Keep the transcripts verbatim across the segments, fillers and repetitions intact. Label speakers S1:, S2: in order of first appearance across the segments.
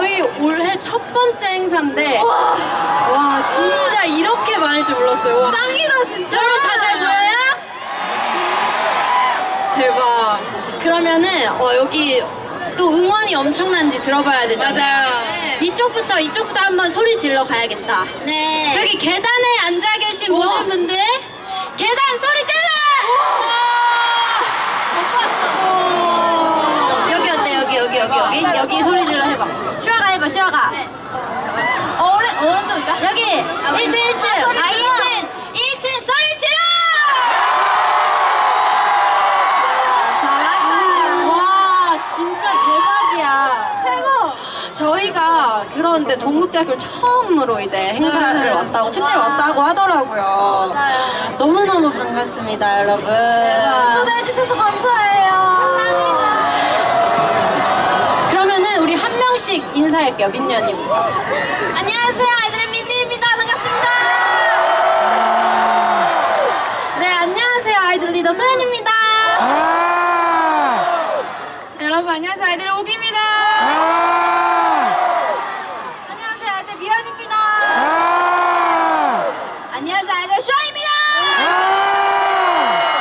S1: 저희 올해 첫 번째 행사인데
S2: 와,
S1: 와 진짜 이렇게 많을 줄 몰랐어요. 와.
S2: 짱이다 진짜.
S1: 여러분 다 잘 보여요? 대박. 그러면은 어, 여기 또 응원이 엄청난지 들어봐야 되잖아요.
S2: 맞아요.
S1: 이쪽부터 이쪽부터 한번 소리 질러 가야겠다.
S2: 네.
S1: 저기 계단에 앉아 계신
S2: 우와.
S1: 모든 분들 계단 소리 질러!
S2: 못 봤어.
S1: 여기 어때? 여기 여기 여기 여기 여기 소리 질러 해봐. 슈아가 해봐 슈아가.
S2: 네. 어, 어느 어느 쪽일까?
S1: 여기 일 층 일 층.
S2: 아, 소리
S1: 아
S2: 질러.
S1: 일 층 일 층 소리 질러!
S2: 잘한다.
S1: 와 진짜 대박이야.
S2: 최고.
S1: 저희가 들었는데 동국대학교를 처음으로 이제 행사를
S2: 네.
S1: 왔다고 축제를 왔다고 하더라고요.
S2: 맞아요.
S1: 너무너무 반갑습니다 여러분.
S2: 초대해 주셔서 감사해요.
S1: 그러면은 우리 한 명씩 인사할게요. 민니 언니부터. 안녕하세요 아이들의 민니입니다. 반갑습니다. 네 안녕하세요 아이들 리더 소연입니다.
S2: 여러분 안녕하세요. 아이들의 옥입니다. 안녕하세요. 아이들 미연입니다. 안녕하세요. 아이들 슈아입니다.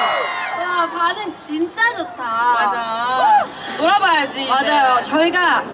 S1: 와 반응 진짜 좋다.
S2: 맞아. 놀아봐야지.
S1: 맞아요. 저희가